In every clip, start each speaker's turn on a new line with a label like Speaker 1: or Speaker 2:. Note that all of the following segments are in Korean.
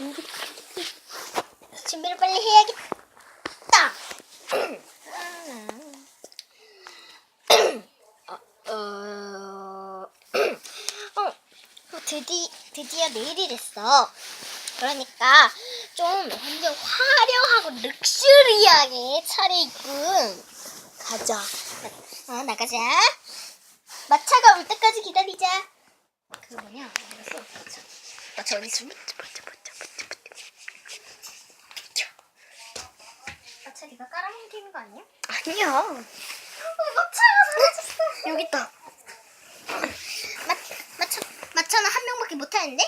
Speaker 1: 준비를 빨리 해야겠다. 드디어 내일이 됐어. 그러니까 좀 완전 화려하고 럭셔리하게 차려입고 가자. 나가자. 마차가 올 때까지 기다리자. 그 뭐냐? 마차 어디 있어? 마차 네가 깔아뭉개는 거 아니야?
Speaker 2: 아니야.
Speaker 1: 마차가 사라졌어.
Speaker 2: 여기 있다.
Speaker 1: 마차는 한 명밖에 못 타는데?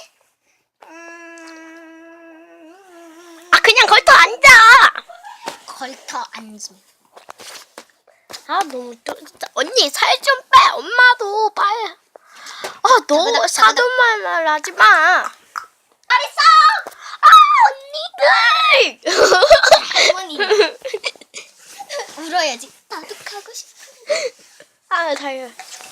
Speaker 2: 아, 그냥 걸터 앉아.
Speaker 1: 걸터 앉음.
Speaker 2: 아, 너무 진짜. 언니 살 좀 빼. 엄마도 빨리. 아, 너 사돈말 하지 마.
Speaker 1: 알았어.
Speaker 2: 아, 언니들.
Speaker 1: 할머니. 울어야지. 나도 가고 싶어.
Speaker 2: 아, 달려.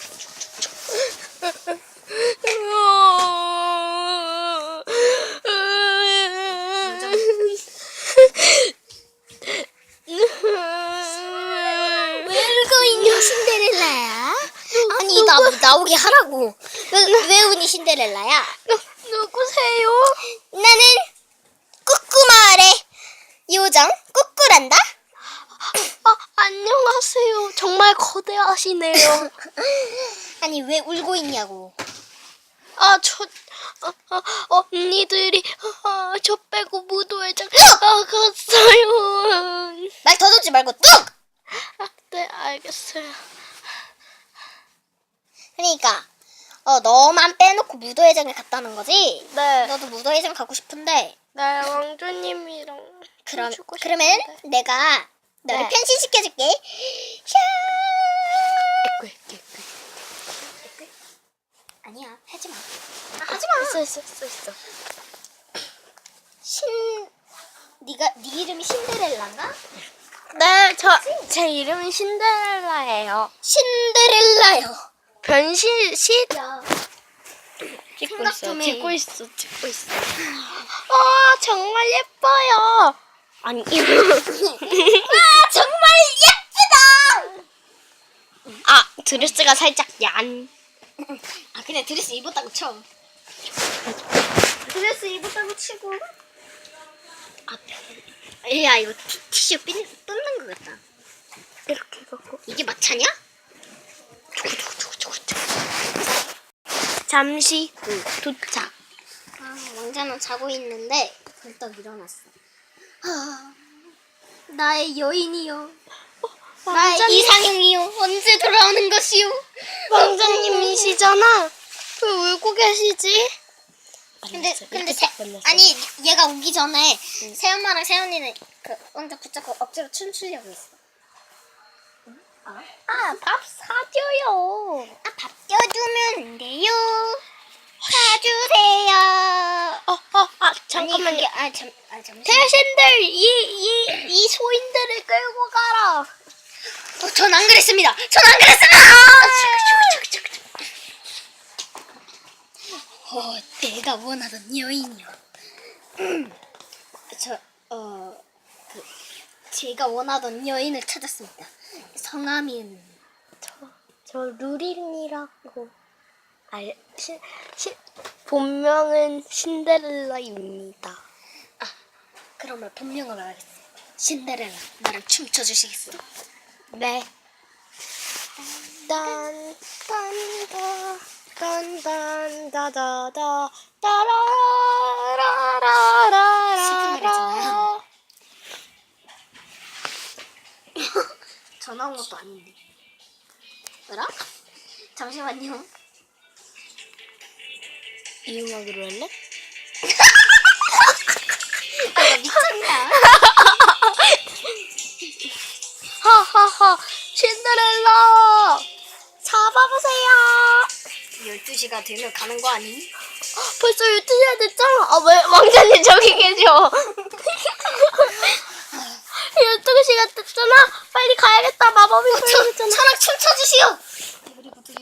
Speaker 1: 왜 울고 있니 신데렐라야? 아니 나오게 하라고. 왜 우니 신데렐라야?
Speaker 2: 누구세요?
Speaker 1: 나는 꾸꾸마을의 요정 꾸꾸란다.
Speaker 2: 아, 안녕하세요. 정말 거대하시네요.
Speaker 1: 아니 왜 울고 있냐고.
Speaker 2: 아, 언니들이 저 빼고 무도회장 갔어요.
Speaker 1: 말 더듬지 말고 뚝!
Speaker 2: 아, 네, 알겠어요.
Speaker 1: 그러니까 너만 빼놓고 무도회장에 갔다는 거지?
Speaker 2: 네.
Speaker 1: 너도 무도회장 가고 싶은데
Speaker 2: 네, 왕조님이랑 춤추고
Speaker 1: 그러면
Speaker 2: 싶은데.
Speaker 1: 내가 너를
Speaker 2: 네.
Speaker 1: 변신시켜줄게. 샤! 아니야, 하지마. 하지마.
Speaker 2: 있어.
Speaker 1: 네 이름이 신데렐라인가?
Speaker 2: 네, 제 이름은 신데렐라예요.
Speaker 1: 신데렐라요.
Speaker 2: 변신 시
Speaker 1: 생각 좀 해.
Speaker 2: 찍고 있어. 아, 정말 예뻐요. 아니,
Speaker 1: 정말 예쁘다.
Speaker 2: 아, 드레스가 살짝 얀.
Speaker 1: 그냥 드레스 입었다고 쳐. 드레스 입었다고 치고. 야 이거 티슈 뜯는 것 같다.
Speaker 2: 이렇게 갖고.
Speaker 1: 이게 마차냐?
Speaker 2: 잠시 후 도착.
Speaker 1: 왕자는 자고 있는데 벌떡 일어났어. 나의 여인이요. 나의
Speaker 2: 왕자님.
Speaker 1: 이상형이요. 언제 돌아오는 것이요?
Speaker 2: 왕자님이시잖아. 왜 울고 계시지?
Speaker 1: 근데 아니 얘가 오기 전에 새엄마랑 새언니는 그 왕자 붙잡고 억지로 춤추려고 했어.
Speaker 2: 밥 사줘요.
Speaker 1: 밥 껴주면 안 돼요. 사주세요.
Speaker 2: 잠깐만요.
Speaker 1: 잠시만.
Speaker 2: 대신들 이 소인들을 끌고 가라.
Speaker 1: 전 안 그랬습니다. 내가 원하던 여인이요. 제가 원하던 여인을 찾았습니다. 성함은
Speaker 2: 저 루린이라고. 본명은 신데렐라입니다.
Speaker 1: 그러면 본명을 알겠어요. 신데렐라, 나랑 춤춰 주시겠어요?
Speaker 2: 네. 딴딴다다다다
Speaker 1: 슬픈
Speaker 2: 따라라라라라.
Speaker 1: 전화 온 것도 아닌데. 뭐라? 잠시만요.
Speaker 2: 이 음악으로 할래?
Speaker 1: 나 미쳤나?
Speaker 2: 하하하, 신데렐라 잡아보세요.
Speaker 1: 12시가 되면 가는 거 아니?
Speaker 2: 벌써 12시가 됐잖아. 왜 왕자님 저기 계셔. 12시가 됐잖아. 빨리 가야겠다. 마법이 걸렸잖아.
Speaker 1: 천악 춤춰주시오.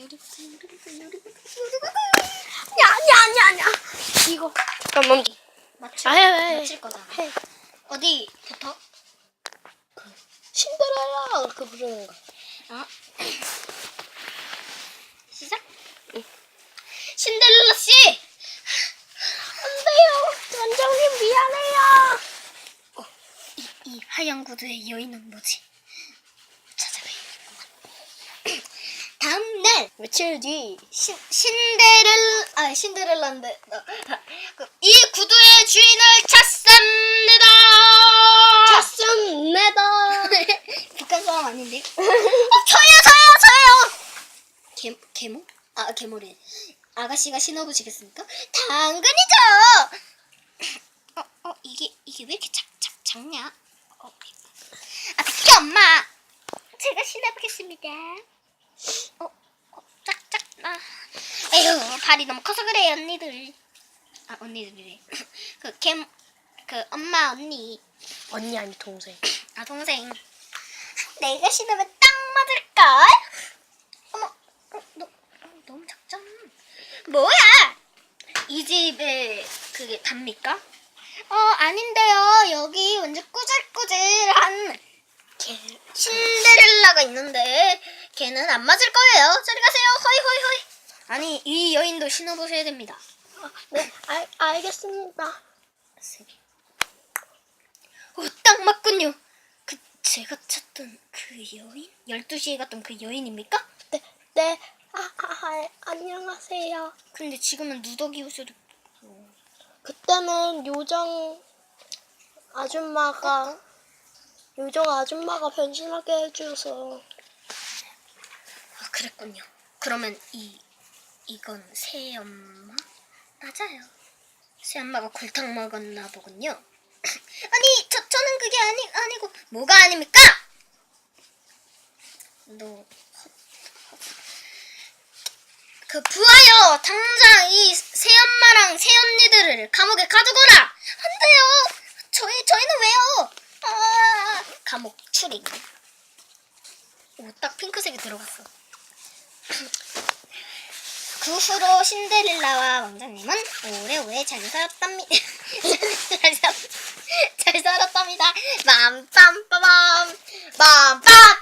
Speaker 2: 아니야. 이거 잠깐만.
Speaker 1: 맞출 거다.
Speaker 2: 해.
Speaker 1: 어디부터?
Speaker 2: 신데렐라 그렇게 부르는 거.
Speaker 1: 어? 시작? 신데렐라 씨!
Speaker 2: 안 돼요. 원장님 미안해요.
Speaker 1: 이 하얀 구두의 여인은 뭐지? 찾아봐야겠구만. 다음 날
Speaker 2: 며칠 뒤.
Speaker 1: 신데렐라인데 이 구두의 주인을 찾습니다.
Speaker 2: 찾습니다.
Speaker 1: 북한 사람 아닌데? 저요. 개모? 아 개모래. 아가씨가 신어보시겠습니까? 당근이죠. 이게 왜 이렇게 작냐? 비켜 엄마. 제가 신어보겠습니다. 짝짝 에휴 발이 너무 커서 그래 언니들. 언니들이래. 그 엄마 언니.
Speaker 2: 언니 아니 동생.
Speaker 1: 동생. 내가 신으면 딱 맞을걸? 어머, 너무 작잖아. 뭐야? 이 집에 그게 답니까? 아닌데요. 여기 완전 꾸질꾸질한 신데렐라가 있는데 걔는 안 맞을 거예요. 저리 가세요. 허이. 아니, 이 여인도 신어보셔야 됩니다.
Speaker 2: 네, 알겠습니다.
Speaker 1: 딱 맞군요. 제가 찾던 그 여인? 12시에 갔던 그 여인입니까?
Speaker 2: 네. 안녕하세요.
Speaker 1: 근데 지금은 누더기 옷을
Speaker 2: 그때는 요정 아줌마가 변신하게 해줘서.
Speaker 1: 그랬군요. 그러면 이건 새엄마? 맞아요. 새엄마가 골탕 먹었나 보군요. 아니 저는 그게 아니고 뭐가 아닙니까? 부하여 당장 이 새엄마랑 새언니들을 감옥에 가두거라. 안 돼요. 저희는 왜요? 감옥 출입. 딱 핑크색이 들어갔어. 그 후로 신데렐라와 왕자님은 오래오래 잘 살았답니다. 잘 살았답니다. 빰빰빠밤 빰빰